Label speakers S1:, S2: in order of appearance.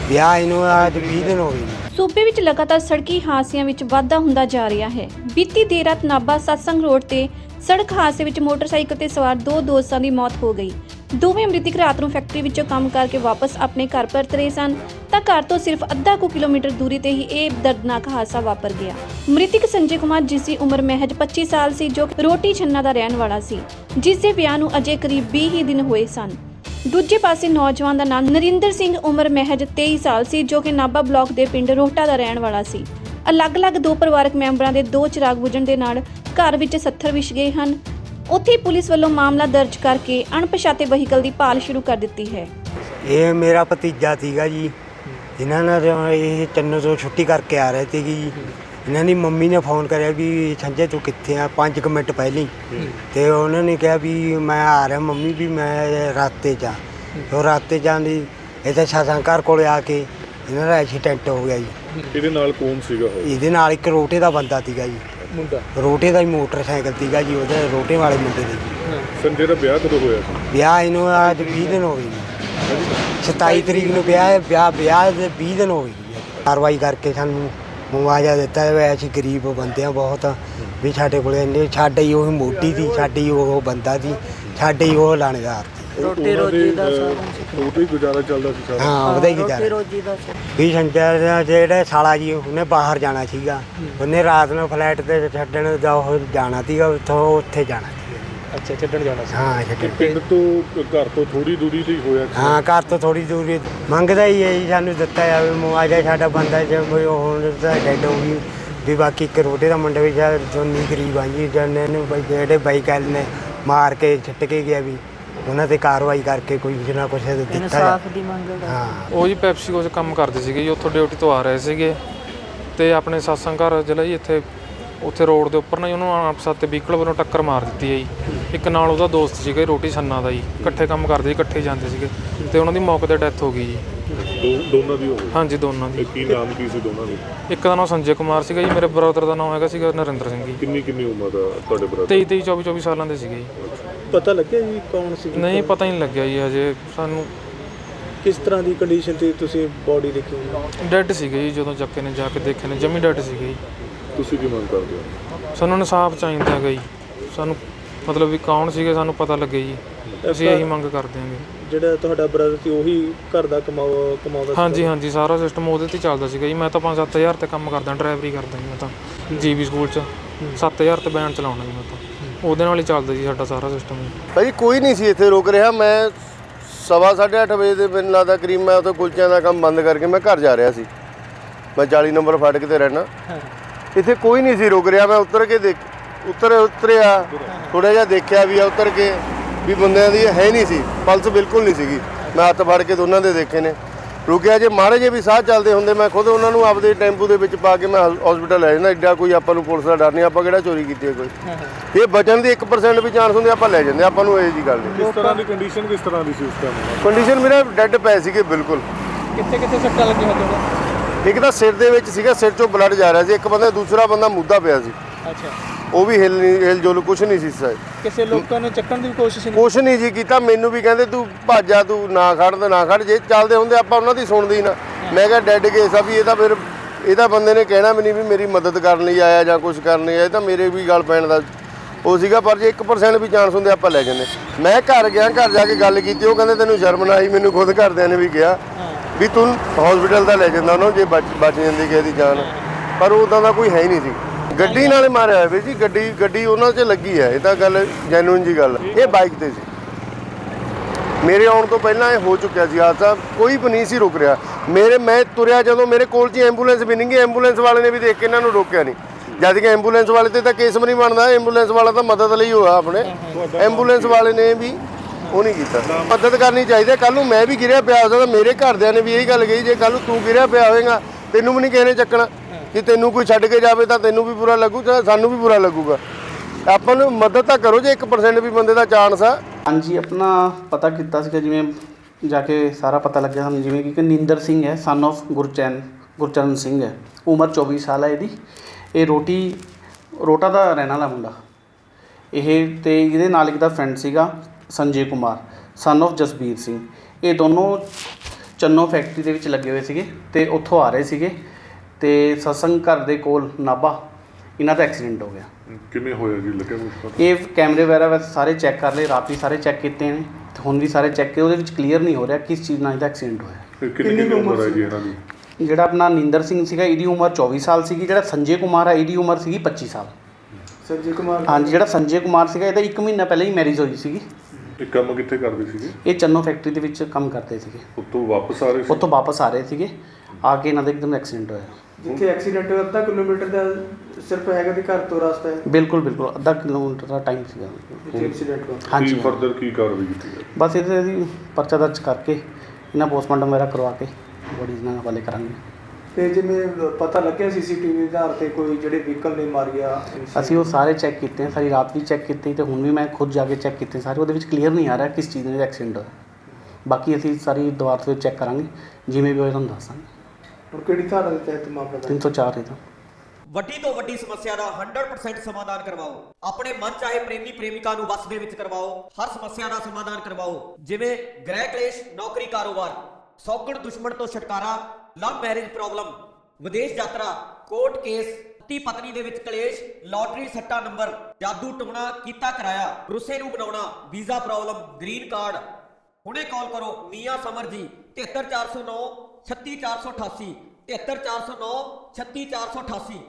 S1: ਵਿਆਹ ਇਹਨੂੰ ਅੱਜ 20 ਦਿਨ ਹੋ ਗਏ ਨੇ।
S2: ਸੂਬੇ ਵਿੱਚ ਲਗਾਤਾਰ ਸੜਕੀ ਹਾਦਸਿਆਂ ਵਿੱਚ ਵਾਧਾ ਹੁੰਦਾ ਜਾ ਰਿਹਾ ਹੈ। ਬੀਤੀ ਦੇਰ ਰਾਤ ਨਾਭਾ ਸਤਸੰਗ ਰੋਡ ਤੇ ਸੜਕ ਹਾਦਸੇ ਵਿੱਚ ਮੋਟਰਸਾਈਕਲ ਤੇ ਸਵਾਰ ਦੋ ਦੋਸਤਾਂ ਦੀ ਮੌਤ ਹੋ ਗਈ। ਦੋਵੇਂ ਮ੍ਰਿਤਕ ਰਾਤ ਨੂੰ ਫੈਕਟਰੀ ਵਿੱਚੋਂ ਕੰਮ ਕਰਕੇ ਵਾਪਸ ਆਪਣੇ ਘਰ ਪਰਤ ਰਹੇ ਸਨ ਤਾਂ ਘਰ ਤੋਂ ਸਿਰਫ ਅੱਧਾ ਕੁ ਕਿਲੋਮੀਟਰ ਦੂਰੀ ਤੇ ਹੀ ਇਹ ਦਰਦਨਾਕ ਹਾਦਸਾ ਵਾਪਰ ਗਿਆ। ਮ੍ਰਿਤਕ ਸੰਜੇ ਕੁਮਾਰ, ਜਿਸ ਦੀ ਉਮਰ ਮਹਿਜ 25 ਸਾਲ ਸੀ, ਜੋ ਰੋਟੀ ਛੰਨਾ ਦਾ ਰਹਿਣ ਵਾਲਾ ਸੀ, ਜਿਸ ਦੇ ਵਿਆਹ ਨੂੰ ਅਜੇ ਕਰੀਬ 20 ਹੀ ਦਿਨ ਹੋਏ ਸਨ। ਦੂਜੇ ਪਾਸੇ ਨੌਜਵਾਨ ਦਾ ਨਾਮ ਨਰਿੰਦਰ ਸਿੰਘ, ਉਮਰ ਮਹਿਜ 23 ਸਾਲ ਸੀ, ਜੋ ਕਿ ਨਾਭਾ ਬਲਾਕ ਦੇ ਪਿੰਡ ਰੋਹਟਾ ਦਾ ਰਹਿਣ ਵਾਲਾ ਸੀ। ਅਲੱਗ-ਅਲੱਗ ਦੋ ਪਰਿਵਾਰਕ ਮੈਂਬਰਾਂ ਦੇ ਦੋ ਚਿਰਾਗ ਬੁਝਣ ਦੇ ਨਾਲ ਘਰ ਵਿੱਚ 70 ਵਿਛ ਗਏ ਹਨ। ਉੱਥੇ ਪੁਲਿਸ ਵੱਲੋਂ ਮਾਮਲਾ ਦਰਜ ਕਰਕੇ ਅਣਪਛਾਤੇ ਵਹੀਕਲ ਦੀ ਭਾਲ ਸ਼ੁਰੂ ਕਰ ਦਿੱਤੀ ਹੈ।
S1: ਇਹ ਮੇਰਾ ਭਤੀਜਾ ਸੀਗਾ ਜੀ। ਇਹਨਾਂ ਨਾਲ ਇਹ ਚੰਨੋ ਤੋਂ ਛੁੱਟੀ ਕਰਕੇ ਆ ਰਹੇ ਸੀਗੇ ਜੀ। ਇਹਨਾਂ ਦੀ ਮੰਮੀ ਨੇ ਫੋਨ ਕਰਿਆ ਵੀ ਸੰਜੇ ਤੂੰ ਕਿੱਥੇ ਆ, 5 ਮਿੰਟ ਪਹਿਲਾਂ ਤੇ ਉਹਨਾਂ ਨੇ ਕਿਹਾ ਵੀ ਮੈਂ ਆ ਰਿਹਾ ਮੰਮੀ, ਵੀ ਮੈਂ ਰਾਤੇ 'ਚ ਉਹ ਰਾਤੇ ਜਾਂਦੀ ਇੱਥੇ ਸਤਸੰਗ ਘਰ ਕੋਲ ਆ ਕੇ ਇਹਨਾਂ ਦਾ ਐਕਸੀਡੈਂਟ ਹੋ ਗਿਆ ਜੀ।
S3: ਇਹਦੇ ਨਾਲ ਕੌਣ ਸੀਗਾ?
S1: ਇਹਦੇ ਨਾਲ ਇੱਕ ਰੋਟੇ ਦਾ ਬੰਦਾ ਸੀਗਾ ਜੀ,
S3: ਮੁੰਡਾ
S1: ਰੋਟੇ ਦਾ ਹੀ ਮੋਟਰਸਾਈਕਲ ਸੀਗਾ ਜੀ, ਉਹਦੇ ਰੋਟੇ ਵਾਲੇ ਮੁੰਡੇ ਦੇ ਜੀ।
S3: ਸੰਜੇ ਦਾ ਵਿਆਹ ਕਦੋਂ ਹੋਇਆ ਸੀ?
S1: ਵਿਆਹ ਇਹਨੂੰ ਅੱਜ 20 ਦਿਨ ਹੋ ਗਏ ਜੀ। 27 ਤਰੀਕ ਨੂੰ ਵਿਆਹ ਦੇ 20 ਦਿਨ ਹੋ ਗਏ ਜੀ। ਕਾਰਵਾਈ ਕਰਕੇ ਸਾਨੂੰ ਮੁਆਵਜ਼ਾ ਦਿੱਤਾ ਹੈ। ਅਸੀਂ ਗਰੀਬ ਬੰਦੇ ਆ ਬਹੁਤ, ਵੀ ਸਾਡੇ ਕੋਲ ਇੰਨੇ, ਸਾਡੇ ਹੀ ਉਹ ਮੋਢੀ ਸੀ, ਸਾਡੀ ਉਹ ਬੰਦਾ ਸੀ, ਸਾਡੇ ਹੀ ਉਹ ਲਾਣੇਦਾਰ ਸੀ।
S4: ਰੋਟੀ ਰੋਜੀ ਦਾ
S3: ਉਹਦਾ ਹੀ ਗੁਜ਼ਾਰਾ ਚੱਲਦਾ ਸੀ ਸਾਰਾ?
S1: ਹਾਂ, ਉਹਦਾ ਹੀ ਗੁਜ਼ਾਰਾ।
S4: ਰੋਜੀ ਦਾ
S1: ਵੀ ਸੰਜੇ ਦਾ ਜਿਹੜਾ ਸਾਲਾ ਜੀ, ਉਹਨੇ ਬਾਹਰ ਜਾਣਾ ਸੀਗਾ, ਉਹਨੇ ਰਾਤ ਨੂੰ ਫਲੈਟ ਤੇ ਛੱਡਣ ਦਾ ਉਹ ਜਾਣਾ ਸੀਗਾ, ਉੱਥੇ ਜਾਣਾ ਸੀਗਾ।
S3: ਅੱਛਾ, ਛੱਡਣ ਜਾਣਾ ਸੀ।
S1: ਹਾਂ, ਛੱਡਣ।
S3: ਪਿੰਡ ਤੋਂ ਘਰ ਤੋਂ ਥੋੜੀ ਦੂਰੀ ਤੇ ਹੀ ਹੋਇਆ?
S1: ਹਾਂ, ਘਰ ਤੋਂ ਥੋੜੀ ਦੂਰੀ ਮੰਗਦਾ ਹੀ ਹੈ ਜੀ, ਸਾਨੂੰ ਦਿੱਤਾ ਜਾਵੇ ਮੁਆਵਜ਼ਾ। ਸਾਡਾ ਬੰਦਾ ਜੇ ਹੁਣ ਤਾਂ ਡੈਡ ਹੋ ਗਈ ਵੀ, ਬਾਕੀ ਇੱਕ ਰੋਟੇ ਦਾ ਮੁੰਡਾ ਵੀ ਜੋਨੀ ਗਰੀਬ ਆ ਜੀ, ਜਿਹਨੂੰ ਜਿਹੜੇ ਬਾਈਕ ਵਾਲੇ ਨੇ ਮਾਰ ਕੇ ਛੱਟ ਕੇ ਗਿਆ, ਵੀ ਉਹਨਾਂ ਤੇ ਕਾਰਵਾਈ ਕਰਕੇ ਕੋਈ ਕੁਝ ਨਾ ਕੁਛ ਦਿੱਤਾ
S4: ਇਨਸਾਫ ਦੀ ਮੰਗ।
S1: ਹਾਂ,
S5: ਉਹ ਜੀ ਪੈਪਸੀਕੋ 'ਚ ਕੰਮ ਕਰਦੇ ਸੀਗੇ ਜੀ, ਉੱਥੋਂ ਡਿਊਟੀ ਤੋਂ ਆ ਰਹੇ ਸੀਗੇ ਤੇ ਆਪਣੇ ਸਤਸੰਗ ਘਰ ਜ਼ਿਲ੍ਹਾ ਜੀ ਉੱਥੇ ਰੋਡ ਦੇ ਉੱਪਰ ਨਾ ਉਹਨੂੰ ਅਣਪਛਾਤੇ ਵਹੀਕਲ ਵੱਲੋਂ ਟੱਕਰ ਮਾਰ ਦਿੱਤੀ ਹੈ ਜੀ। ਇੱਕ ਨਾਲ ਉਹਦਾ ਦੋਸਤ ਸੀਗਾ ਰੋਟੀ ਛੰਨਾ ਦਾ ਜੀ, ਇਕੱਠੇ ਕੰਮ ਕਰਦੇ ਸੀ, ਇਕੱਠੇ ਜਾਂਦੇ ਸੀਗੇ ਤੇ ਉਹਨਾਂ ਦੀ ਮੌਕੇ 'ਤੇ ਡੈਥ ਹੋ ਗਈ ਜੀ।
S3: ਦੋਨਾਂ ਦੀ ਹੋ ਗਈ?
S5: ਹਾਂਜੀ, ਦੋਨਾਂ ਦੀ।
S3: ਕੀ ਨਾਮ ਕੀ ਸੀ ਦੋਨਾਂ ਦੇ?
S5: ਇੱਕ ਦਾ ਨਾਮ ਸੰਜੇ ਕੁਮਾਰ ਸੀਗਾ ਜੀ, ਮੇਰੇ ਬ੍ਰਦਰ ਦਾ ਨਾਮ ਹੈਗਾ ਸੀਗਾ ਨਰਿੰਦਰ ਸਿੰਘ ਜੀ।
S3: ਕਿੰਨੀ ਉਮਰ ਦਾ ਤੁਹਾਡੇ ਬ੍ਰਦਰ?
S5: 23 24 ਸਾਲਾਂ ਦੇ ਸੀਗੇ ਜੀ।
S6: ਪਤਾ ਲੱਗਿਆ ਜੀ ਕੌਣ ਸੀ?
S5: ਨਹੀਂ, ਪਤਾ ਹੀ ਨਹੀਂ ਲੱਗਿਆ ਜੀ ਹਜੇ ਸਾਨੂੰ।
S6: ਕਿਸ ਤਰ੍ਹਾਂ ਦੀ ਕੰਡੀਸ਼ਨ ਤੇ ਤੁਸੀਂ ਬੋਡੀ ਦੇਖੀ?
S5: ਡੈਡ ਸੀਗੇ ਜੀ, ਜਦੋਂ ਚੱਕੇ ਨੇ ਜਾ ਕੇ ਦੇਖੇ ਨੇ ਜਮੀ ਡੈਡ ਸੀਗੇ ਜੀ।
S3: ਤੁਸੀਂ ਕੀ ਮੰਗ ਕਰਦੇ ਹੋ?
S5: ਸਾਨੂੰ ਇਨਸਾਫ ਚਾਹੀਦਾ ਹੈਗਾ ਜੀ, ਸਾਨੂੰ ਮਤਲਬ ਵੀ ਕੌਣ ਸੀਗੇ ਸਾਨੂੰ ਪਤਾ ਲੱਗੇ ਜੀ, ਅਸੀਂ ਇਹੀ ਮੰਗ ਕਰਦੇ ਹਾਂ।
S6: ਜਿਹੜਾ ਤੁਹਾਡਾ ਬ੍ਰਦਰ ਸੀ ਉਹੀ ਘਰ ਦਾ ਕਮਾਉਂਦਾ?
S5: ਹਾਂਜੀ, ਸਾਰਾ ਸਿਸਟਮ ਉਹਦੇ ਤੇ ਚੱਲਦਾ ਸੀਗਾ ਜੀ। ਮੈਂ ਤਾਂ 5-7 ਹਜ਼ਾਰ ਤੇ ਕੰਮ ਕਰਦਾ, ਡਰਾਈਵਰੀ ਕਰਦਾ ਜੀ ਮੈਂ ਤਾਂ ਜੀਬੀ ਸਕੂਲ 'ਚ। 7000 ਤੇ ਵੈਨ ਚਲਾਉਣਾ ਜੀ ਮੈਂ ਤਾਂ, ਉਹਦੇ ਨਾਲ ਹੀ ਚੱਲਦਾ ਜੀ ਸਾਡਾ ਸਾਰਾ ਸਿਸਟਮ ਜੀ।
S7: ਭਾਜੀ ਕੋਈ ਨਹੀਂ ਸੀ ਇੱਥੇ ਰੁਕ ਰਿਹਾ। ਮੈਂ 8:30 ਵਜੇ ਦੇ ਮੈਨੂੰ ਲੱਗਦਾ ਕਰੀਬ ਮੈਂ ਉੱਥੇ ਕੁਲਚਿਆਂ ਦਾ ਕੰਮ ਬੰਦ ਕਰਕੇ ਮੈਂ ਘਰ ਜਾ ਰਿਹਾ ਸੀ। ਮੈਂ 40 ਨੰਬਰ ਫਾਟਕ ਤੇ ਰਹਿਣਾ। ਇੱਥੇ ਕੋਈ ਨਹੀਂ ਸੀ ਰੁਕ ਰਿਹਾ। ਮੈਂ ਉਤਰਿਆ ਥੋੜ੍ਹਾ ਜਿਹਾ ਦੇਖਿਆ ਵੀ ਆ, ਉਤਰ ਕੇ ਵੀ ਬੰਦਿਆਂ ਦੀ ਹੈ ਨਹੀਂ ਸੀ, ਪਲਸ ਬਿਲਕੁਲ ਨਹੀਂ ਸੀਗੀ। ਮੈਂ ਹੱਥ ਫੜ ਕੇ ਦੋਨਾਂ ਦੇ ਦੇਖੇ ਨੇ। ਰੁਕਿਆ ਜੇ ਮਾੜੇ ਜੇ ਵੀ ਸਾਹ ਚੱਲਦੇ ਹੁੰਦੇ, ਮੈਂ ਖੁਦ ਉਹਨਾਂ ਨੂੰ ਆਪਦੇ ਟੈਂਪੂ ਦੇ ਵਿੱਚ ਪਾ ਕੇ ਮੈਂ ਹਸਪੀਟਲ ਲੈ ਜਾਂਦਾ। ਐਡਾ ਕੋਈ ਆਪਾਂ ਨੂੰ ਪੁਲਿਸ ਦਾ ਡਰ ਨਹੀਂ, ਆਪਾਂ ਕਿਹੜਾ ਚੋਰੀ ਕੀਤੀ ਹੈ ਕੋਈ। ਇਹ ਬਚਣ ਦੀ 1% ਵੀ ਚਾਂਸ ਹੁੰਦੇ, ਆਪਾਂ ਲੈ ਜਾਂਦੇ, ਆਪਾਂ ਨੂੰ ਇਹ ਜੀ ਗੱਲ ਨਹੀਂ।
S3: ਕਿਸ ਤਰ੍ਹਾਂ ਦੀ ਕੰਡੀਸ਼ਨ ਕਿਸ ਤਰ੍ਹਾਂ ਦੀ ਸੀ ਉਸ ਟਾਈਮ?
S7: ਕੰਡੀਸ਼ਨ ਮੇਰਾ ਡੈੱਡ ਪਏ ਸੀਗੇ ਬਿਲਕੁਲ।
S6: ਕਿੱਥੇ ਸੱਟਾਂ ਲੱਗੀਆਂ ਹੋਈਆਂ?
S7: ਇੱਕ ਤਾਂ ਸਿਰ ਦੇ ਵਿੱਚ ਸੀਗਾ, ਸਿਰ 'ਚੋਂ ਬਲੱਡ ਜਾ ਰਿਹਾ ਸੀ। ਇੱਕ ਬੰਦਾ, ਦੂਸਰਾ ਬੰਦਾ ਮੁੱਦਾ ਪਿਆ ਸੀ।
S6: ਅੱਛਾ,
S7: ਉਹ ਵੀ ਹਿਲ ਜੁਲ ਕੁਛ ਨਹੀਂ ਸੀ।
S6: ਕਿਸੇ ਲੋਕਾਂ ਨੇ ਚੱਕਣ ਦੀ ਕੋਸ਼ਿਸ਼
S7: ਕੁਛ ਨਹੀਂ ਜੀ ਕੀਤਾ। ਮੈਨੂੰ ਵੀ ਕਹਿੰਦੇ ਤੂੰ ਭੱਜ ਜਾ, ਤੂੰ ਨਾ ਖੜ। ਜੇ ਚੱਲਦੇ ਹੁੰਦੇ ਆਪਾਂ ਉਹਨਾਂ ਦੀ ਸੁਣਦੇ ਹੀ ਨਾ। ਮੈਂ ਕਿਹਾ ਡੈਡ ਕੇਸ ਆ ਵੀ, ਇਹ ਤਾਂ ਫਿਰ ਇਹਦਾ ਬੰਦੇ ਨੇ ਕਹਿਣਾ ਵੀ ਨਹੀਂ ਵੀ ਮੇਰੀ ਮਦਦ ਕਰਨ ਲਈ ਆਇਆ ਜਾਂ ਕੁਛ ਕਰਨ ਲਈ ਆਇਆ, ਤਾਂ ਮੇਰੇ ਵੀ ਗੱਲ ਪੈਣ ਦਾ ਉਹ ਸੀਗਾ। ਪਰ ਜੇ 1% ਵੀ ਚਾਂਸ ਹੁੰਦੇ ਆਪਾਂ ਲੈ ਜਾਂਦੇ। ਮੈਂ ਘਰ ਗਿਆ, ਘਰ ਜਾ ਕੇ ਗੱਲ ਕੀਤੀ। ਉਹ ਕਹਿੰਦੇ ਤੈਨੂੰ ਸ਼ਰਮ ਨਾ ਆਈ? ਮੈਨੂੰ ਖੁਦ ਘਰਦਿਆਂ ਨੇ ਵੀ ਕਿਹਾ ਵੀ ਤੂੰ ਹਸਪੀਟਲ ਦਾ ਲੈ ਜਾਂਦਾ ਉਹਨਾਂ ਨੂੰ, ਜੇ ਬਚ ਜਾਂਦੀ ਕਿਸੇ ਦੀ ਜਾਨ। ਪਰ ਉੱਦਾਂ ਦਾ ਕੋਈ ਹੈ ਹੀ ਨਹੀਂ ਸੀ। ਗੱਡੀ ਨਾਲੇ ਮਾਰਿਆ ਹੋਇਆ ਵੀਰ ਜੀ, ਗੱਡੀ ਉਹਨਾਂ 'ਚ ਲੱਗੀ ਹੈ। ਇਹ ਤਾਂ ਗੱਲ ਜੈਨੂਇਨ ਜੀ ਗੱਲ। ਇਹ ਬਾਈਕ ਤੇ ਸੀ। ਮੇਰੇ ਆਉਣ ਤੋਂ ਪਹਿਲਾਂ ਇਹ ਹੋ ਚੁੱਕਿਆ ਸੀ ਹਾਦਸਾ। ਕੋਈ ਵੀ ਨਹੀਂ ਸੀ ਰੁਕ ਰਿਹਾ। ਮੈਂ ਤੁਰਿਆ ਜਦੋਂ, ਮੇਰੇ ਕੋਲ 'ਚ ਐਂਬੂਲੈਂਸ ਵੀ ਨਹੀਂ ਗਈ। ਐਂਬੂਲੈਂਸ ਵਾਲੇ ਨੇ ਵੀ ਦੇਖ ਕੇ ਇਹਨਾਂ ਨੂੰ ਰੋਕਿਆ ਨਹੀਂ। ਜਦ ਕਿ ਐਂਬੂਲੈਂਸ ਵਾਲੇ ਤੇ ਤਾਂ ਕੇਸ ਵੀ ਨਹੀਂ ਬਣਦਾ। ਐਂਬੂਲੈਂਸ ਵਾਲਾ ਤਾਂ ਮਦਦ ਲਈ ਹੋਇਆ ਆਪਣੇ। ਐਂਬੂਲੈਂਸ ਵਾਲੇ ਨੇ ਵੀ ਉਹ ਨਹੀਂ ਕੀਤਾ। ਮਦਦ ਕਰਨੀ ਚਾਹੀਦੀ। ਕੱਲ੍ਹ ਨੂੰ ਮੈਂ ਵੀ ਗਿਰਿਆ ਪਿਆ ਹੋ ਸਕਦਾ। ਮੇਰੇ ਘਰਦਿਆਂ ਨੇ ਵੀ ਇਹੀ ਗੱਲ ਕਹੀ, ਜੇ ਕੱਲ੍ਹ ਨੂੰ ਤੂੰ ਗਿਰਿਆ ਪਿਆ ਹੋਵੇਗਾ ਤੈਨੂੰ ਵੀ ਨਹੀਂ ਕਿਸੇ ਨੇ ਚੱਕਣਾ। ਕਿ ਤੈਨੂੰ ਕੋਈ ਛੱਡ ਕੇ ਜਾਵੇ ਤਾਂ ਤੈਨੂੰ ਵੀ ਬੁਰਾ ਲੱਗੂ, ਤਾਂ ਸਾਨੂੰ ਵੀ ਬੁਰਾ ਲੱਗੂਗਾ। ਆਪਾਂ ਨੂੰ ਮਦਦ ਤਾਂ ਕਰੋ ਜੇ 1% ਵੀ ਬੰਦੇ ਦਾ ਚਾਂਸ ਆ।
S4: ਹਾਂਜੀ, ਆਪਣਾ ਪਤਾ ਕੀਤਾ ਸੀਗਾ, ਜਿਵੇਂ ਜਾ ਕੇ ਸਾਰਾ ਪਤਾ ਲੱਗਿਆ ਸਾਨੂੰ, ਜਿਵੇਂ ਕਿ ਨਰਿੰਦਰ ਸਿੰਘ ਹੈ, ਸਨ ਆਫ ਗੁਰਚਰਨ ਸਿੰਘ ਹੈ, ਉਮਰ 24 ਸਾਲ ਹੈ ਇਹਦੀ। ਇਹ ਰੋਟਾ ਦਾ ਰਹਿਣ ਵਾਲਾ ਮੁੰਡਾ ਇਹ, ਤੇ ਇਹਦੇ ਨਾਲ ਇੱਕ ਦਾ ਫਰੈਂਡ ਸੀਗਾ ਸੰਜੇ ਕੁਮਾਰ, ਸਨ ਆਫ ਜਸਬੀਰ ਸਿੰਘ। ਇਹ ਦੋਨੋਂ ਚੰਨੋ ਫੈਕਟਰੀ ਦੇ ਵਿੱਚ ਲੱਗੇ ਹੋਏ ਸੀਗੇ ਤੇ ਉੱਥੋਂ ਆ ਰਹੇ ਸੀਗੇ ਤੇ ਸਤਸੰਗ ਘਰ ਦੇ ਕੋਲ ਨਾਭਾ ਇਹਨਾਂ ਦਾ ਐਕਸੀਡੈਂਟ ਹੋ ਗਿਆ।
S3: ਕਿਵੇਂ ਹੋਇਆ ਜੀ, ਲੱਗਿਆ ਕੁਛ ਪਤਾ?
S4: ਇਹ ਕੈਮਰੇ ਵਗੈਰਾ ਵੈਸੇ ਸਾਰੇ ਚੈੱਕ ਕਰ ਲਏ, ਰਾਤ ਵੀ ਸਾਰੇ ਚੈੱਕ ਕੀਤੇ ਨੇ ਤੇ ਹੁਣ ਵੀ ਸਾਰੇ ਚੈੱਕ ਕੀਤੇ, ਉਹਦੇ ਵਿੱਚ ਕਲੀਅਰ ਨਹੀਂ ਹੋ ਰਿਹਾ ਕਿਸ ਚੀਜ਼ ਨਾਲ ਇਹਦਾ ਐਕਸੀਡੈਂਟ ਹੋਇਆ।
S3: ਕਿੰਨੀ ਉਮਰ ਹੈ ਜੀ ਇਹਨਾਂ ਦੀ?
S4: ਜਿਹੜਾ ਆਪਣਾ ਨਿੰਦਰ ਸਿੰਘ ਸੀਗਾ ਇਹਦੀ ਉਮਰ 24 ਸਾਲ ਸੀਗੀ, ਜਿਹੜਾ ਸੰਜੇ ਕੁਮਾਰ ਹੈ ਇਹਦੀ ਉਮਰ ਸੀਗੀ 25 ਸਾਲ।
S6: ਸੰਜੇ ਕੁਮਾਰ
S4: ਹਾਂਜੀ, ਜਿਹੜਾ ਸੰਜੇ ਕੁਮਾਰ ਸੀਗਾ ਇਹਦਾ 1 ਮਹੀਨਾ ਪਹਿਲਾਂ ਹੀ ਮੈਰਿਜ ਹੋਈ ਸੀਗੀ।
S3: ਇਹ ਕੰਮ ਕਿੱਥੇ ਕਰਦੇ ਸੀਗੇ?
S4: ਇਹ ਚੰਨੋ ਫੈਕਟਰੀ ਦੇ ਵਿੱਚ ਕੰਮ ਕਰਦੇ ਸੀਗੇ,
S3: ਉੱਥੋਂ ਵਾਪਸ ਆ ਰਹੇ ਸੀ?
S4: ਉੱਥੋਂ ਵਾਪਸ ਆ ਰਹੇ ਸੀਗੇ, ਆ ਕੇ ਇਹਨਾਂ ਦਾ ਇੱਕਦਮ ਐਕਸੀਡੈਂਟ ਹੋਇਆ।
S6: ਜਿੱਥੇ ਐਕਸੀਡੈਂਟ ਹੋਇਆ ਅੱਧਾ ਕਿਲੋਮੀਟਰ ਦਾ ਸਿਰਫ ਹੈਗਾ ਤੇ ਘਰ ਤੋਂ ਰਸਤਾ ਹੈ।
S4: ਬਿਲਕੁਲ ਬਿਲਕੁਲ ਅੱਧਾ ਕਿਲੋਮੀਟਰ ਦਾ ਟਾਈਮ ਸੀਗਾ।
S6: ਜਿੱਥੇ ਐਕਸੀਡੈਂਟ ਹੋਇਆ
S4: ਹਾਂਜੀ
S3: ਕੀ ਫਰਦਰ ਕੀ ਕਾਰਵਾਈ ਕੀਤੀ ਜਾਵੇ?
S4: ਬਸ ਇਹਦੇ ਅਸੀਂ ਪਰਚਾ ਦਰਜ ਕਰਕੇ ਇਹਨਾਂ ਪੋਸਟਮਾਰਟਮ ਵਗੈਰਾ ਕਰਵਾ ਕੇ ਬੋਡੀ ਨਾਲ ਹਵਾਲੇ ਕਰਾਂਗੇ।
S6: ਤੇ ਜਿਵੇਂ ਪਤਾ ਲੱਗਿਆ ਸੀਸੀਟੀਵੀ ਦੇ ਆਧਾਰ ਤੇ ਕੋਈ ਜਿਹੜੇ ਵਹੀਕਲ ਨੇ ਮਾਰਿਆ,
S4: ਅਸੀਂ ਉਹ ਸਾਰੇ ਚੈੱਕ ਕੀਤੇ ਆ, ਸਾਰੀ ਰਾਤ ਵੀ ਚੈੱਕ ਕੀਤੀ ਤੇ ਹੁਣ ਵੀ ਮੈਂ ਖੁਦ ਜਾ ਕੇ ਚੈੱਕ ਕੀਤੇ ਸਾਰੇ, ਉਹਦੇ ਵਿੱਚ ਕਲੀਅਰ ਨਹੀਂ ਆ ਰਿਹਾ ਕਿਸ ਚੀਜ਼ ਨਾਲ ਐਕਸੀਡੈਂਟ ਹੋਇਆ। ਬਾਕੀ ਅਸੀਂ ਸਾਰੀ ਦੁਬਾਰਾ ਤੋਂ ਚੈੱਕ ਕਰਾਂਗੇ, ਜਿਵੇਂ ਵੀ ਹੋਇਆ ਤੁਹਾਨੂੰ ਦੱਸਾਂਗੇ।
S6: ਹੁਣ ਕਿਹੜੀ ਧਾਰਾ ਦੇ ਤਹਿਤ ਮਾਮਲਾ ਦਰਜ?
S4: 304 ਇਹਦਾ।
S8: ਵੱਡੀ ਤੋਂ ਵੱਡੀ ਸਮੱਸਿਆ ਦਾ 100% ਸਮਾਧਾਨ ਕਰਵਾਓ। ਆਪਣੇ ਮਨ ਚਾਹੇ ਪ੍ਰੇਮੀ ਪ੍ਰੇਮਿਕਾ ਨੂੰ ਵਸ ਦੇ ਵਿੱਚ ਕਰਵਾਓ। ਹਰ ਸਮੱਸਿਆ ਦਾ ਸਮਾਧਾਨ ਕਰਵਾਓ, ਜਿਵੇਂ ਗ੍ਰਹਿ ਕਲੇਸ਼, ਨੌਕਰੀ, ਕਾਰੋਬਾਰ, ਸੌਗਣ ਦੁਸ਼ਮਣ ਤੋਂ ਛੁਟਕਾਰਾ, ਲਵ ਮੈਰਿਜ ਪ੍ਰੋਬਲਮ, ਵਿਦੇਸ਼ ਯਾਤਰਾ, ਕੋਰਟ ਕੇਸ, ਪਤੀ ਪਤਨੀ ਦੇ ਵਿੱਚ ਕਲੇਸ਼, ਲਾਟਰੀ ਸੱਟਾ ਨੰਬਰ, ਜਾਦੂ ਟੋਣਾ, ਕੀਤਾ ਕਰਾਇਆ, ਰੁੱਸੇ ਨੂੰ ਬਣਾਉਣਾ, ਵੀਜ਼ਾ ਪ੍ਰੋਬਲਮ, ਗ੍ਰੀਨ ਕਾਰਡ। ਹੁਣੇ ਕਾਲ ਕਰੋ ਮੀਆਂ ਸਮਰ ਜੀ 73409 36488 73409 36488।